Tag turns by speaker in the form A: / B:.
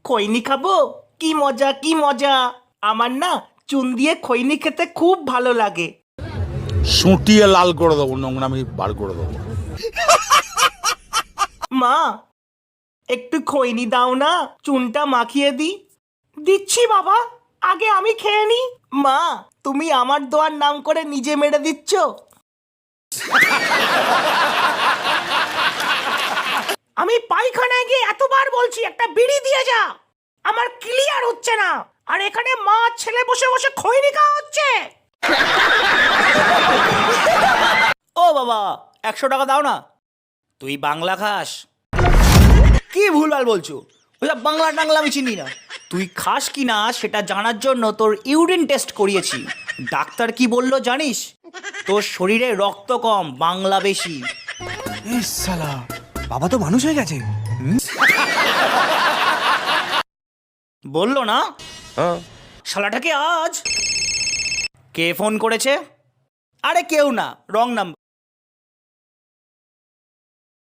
A: খৈনি খাবো? কি মজা কি মজা। আমার না চুন দিয়ে খৈনি খেতে খুব ভালো লাগে।
B: সুটিয়ে লাল করে দেবো, নোংরামি বার করে দেবো।
A: মা একটু খৈনি দাও না, চুনটা মাখিয়ে দি। দিচ্ছি বাবা, আগে আমি খেয়ে নি। মা তুমি আমার দোয়ার নাম করে নিজে মেরে দিচ্ছ। আমি পায়খানায় গিয়ে এতবার বলছি একটা বিড়ি দিয়ে যা, আমার ক্লিয়ার হচ্ছে না, আর এখানে মা ছেলে বসে বসে খৈনি খাওয়া হচ্ছে। ও বাবা 100 টাকা দাও না। তুই বাংলা খাস? কি ভুলভাল বলছো, ওইসব বাংলা টাংলা আমি চিনি না। তুই খাস কি না সেটা জানার জন্য তোর ইউরিন টেস্ট করিয়েছি। ডাক্তার কি বললো জানিস? তোর শরীরে রক্ত কম, বাংলা বেশি।
C: শালা বাবা তো মানুষ হয়ে গেছে।
A: বললো না শালাটাকে আজ। কে ফোন করেছে? আরে কেউ না, রং নাম্বার।